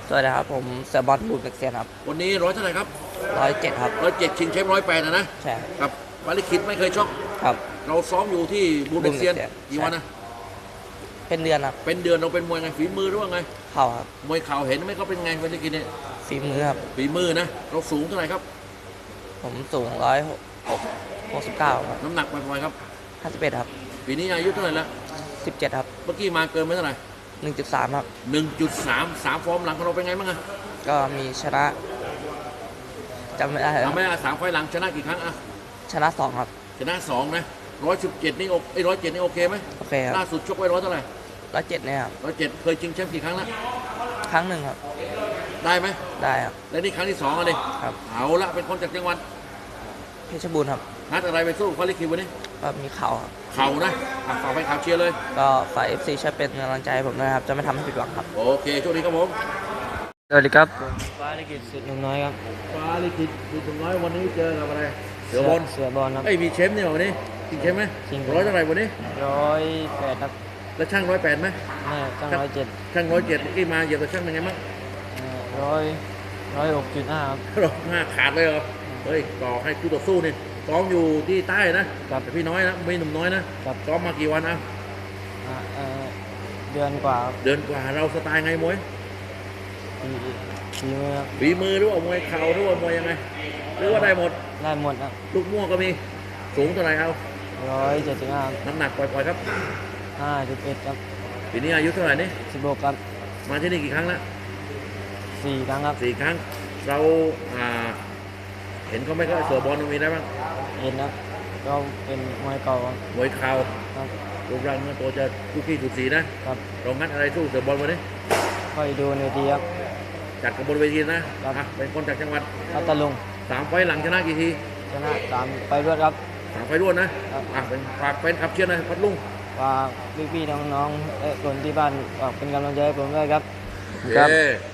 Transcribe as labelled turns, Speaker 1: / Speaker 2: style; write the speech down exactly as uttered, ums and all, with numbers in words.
Speaker 1: สวัสดีครับผมเสือบอลบูดเบกเซียนครับ
Speaker 2: วันนี้ร้อยเท่าไหร่ครับ
Speaker 1: ร้อยเจ็ดครับ
Speaker 2: ร้อยเจ็ดชิงแชมป์ร้อยแปดนะนะ
Speaker 1: ใช่
Speaker 2: ครับวาลิคิดไม่เคยชก
Speaker 1: ครับ
Speaker 2: เราซ้อมอยู่ที่บูเบกเซียนกี่วันนะ
Speaker 1: เป็นเดือนครับ
Speaker 2: เป็นเดือนเราเป็นมวยไงฝีมือหรือว่าไง
Speaker 1: เข่าครับ
Speaker 2: มวยเข่าเห็นไหมเขาเป็นไงวาลิคิดเนี่ย
Speaker 1: ฝีมือครับ
Speaker 2: ฝีมือนะเราสูงเท่าไหร่ครับ
Speaker 1: ผมสูงร้อยหกหกสิบเก้าครับ
Speaker 2: น้ำหนักประมาณครับ
Speaker 1: ห้าสิบเอ็ดครับ
Speaker 2: ปีนี้อายุเท่าไหร่แล้ว
Speaker 1: สิบเจ็ดครับ
Speaker 2: เมื่อกี้มาเกินไปเท่าไหร่
Speaker 1: หนึ่งจุดสามครับ
Speaker 2: หนึ่งจุดสามสามฟอร์มหลังของเราเป็นไงบ้างอะ
Speaker 1: ก็มีชนะจำไม่ได้
Speaker 2: ทำไม่ได้สามไฟหลังชนะกี่ครั้งอะ
Speaker 1: ชนะสองครับ
Speaker 2: ชนะสองนะร้อยสิบเจ็ดนี่โอไอ้ร้อยเจ็ดนี่โอเคไหม
Speaker 1: โอเคครับ
Speaker 2: ล่าสุดชกไว้ร้อยเท่าไหร่
Speaker 1: ร้อยเจ็ดเนี่ยครับ
Speaker 2: ร้อยเจ็ดเคยชิงแชมป์กี่ครั้งแล้ว
Speaker 1: ครั้งหนึ่งครับ
Speaker 2: ได้ไหม
Speaker 1: ได้ครับ
Speaker 2: และนี่ครั้งที่สองอ่ะดิ
Speaker 1: ครับ
Speaker 2: เอาละเป็นคนจากจังหวัด
Speaker 1: เพชรบูรณ์ครับ
Speaker 2: นัดอะไรไปสู้เขาลิคิววันนี้
Speaker 1: ก็มีเข่าครับ
Speaker 2: เข่านะฝากไปข่าวเชียร์เลย
Speaker 1: ก็ฝ่ายเอฟซีช่วยเป็นกำลังใจให้ผมด้วยครับจะไม่ทำให้ผิดหวังครับ
Speaker 2: โอเคโชคดีครับผม
Speaker 1: สวัสดีครับฟ้าลิขิตสุดหนุ่มน้อยครับ
Speaker 2: ฟ้าลิขิตสุดหนุ่มน้อยวันนี้เจอกับอะไรเสือบอล
Speaker 1: เสือบอลครับ
Speaker 2: ไอ้มีเชมป์เนี่ยวันนี้จริงเชมป์ไหม
Speaker 1: จริง
Speaker 2: ร้อยเท่าไหร่วันนี้
Speaker 1: ร้อยแปดครับ
Speaker 2: แล้วช่างร้อยแปดไหม
Speaker 1: ไม่ช่างร้อยเจ็ด
Speaker 2: ช่างร้อยเจ็ดที่มาเหยียบตัวช่างเป็นไงบ้าง
Speaker 1: ร้อยร้อยหกจุดห้าครับ
Speaker 2: ร้อยห้าขาดเลยเหรอเฮ้ยต่อให้คู่ต่อสู้นี่ซ้อมอยู่ที่ใต้นะแต่พี่น้อยนะไม่หนุ่มน้อยนะซ้อมมากี่วันอ่ะ
Speaker 1: เดือนกว่า
Speaker 2: เดือนกว่าเราสไตล์ไงมวย
Speaker 1: ฝีมือครับ
Speaker 2: ฝีมือหรือว่ามวยเข่าหรือว่ามวยยังไงหรือว่าได้หมด
Speaker 1: ได้หมดครับ
Speaker 2: ลูกม่วงก็มีสูงเท่าไหร่เอา
Speaker 1: ร้อยเจ็ดสิบห้า
Speaker 2: น้ำหนักปล่อยๆครับ
Speaker 1: ห้าสิบเอ็ดครับ
Speaker 2: ปีนี้อายุเท่าไหร่นี่
Speaker 1: สิบหกครับ
Speaker 2: มาที่นี่กี่ครั้งแล้ว
Speaker 1: สี่ครั้งครับ
Speaker 2: สี่ครั้งเราอ่าเห็นเขาไม่ก็เสือบอลมีได้บ้าง
Speaker 1: เห็นครับก็เป็นมวยเก่าม
Speaker 2: วยเข่า
Speaker 1: ครับ
Speaker 2: รูปร่างเนื้อตัวจะทุกที่ทุกสีนะครับเรางัดอะไรสู้เสือบอลวันนี้
Speaker 1: ค่อยดูในทีครับ
Speaker 2: จัดกับบนเวทีนะครับเป็นคนจากจังหวัด
Speaker 1: พัทลุง
Speaker 2: สามไฟหลังชนะกี่ที
Speaker 1: ชนะสามไปรวดครับ
Speaker 2: สามไฟรวดนะอ่ะเป็นฝากเป็นขับเชียร์นะพัทลุง
Speaker 1: ฝากพี่ๆน้องๆและคนที่บ้านฝากเป็นกำลังใจให้ผมด้วยครับ
Speaker 2: ครับ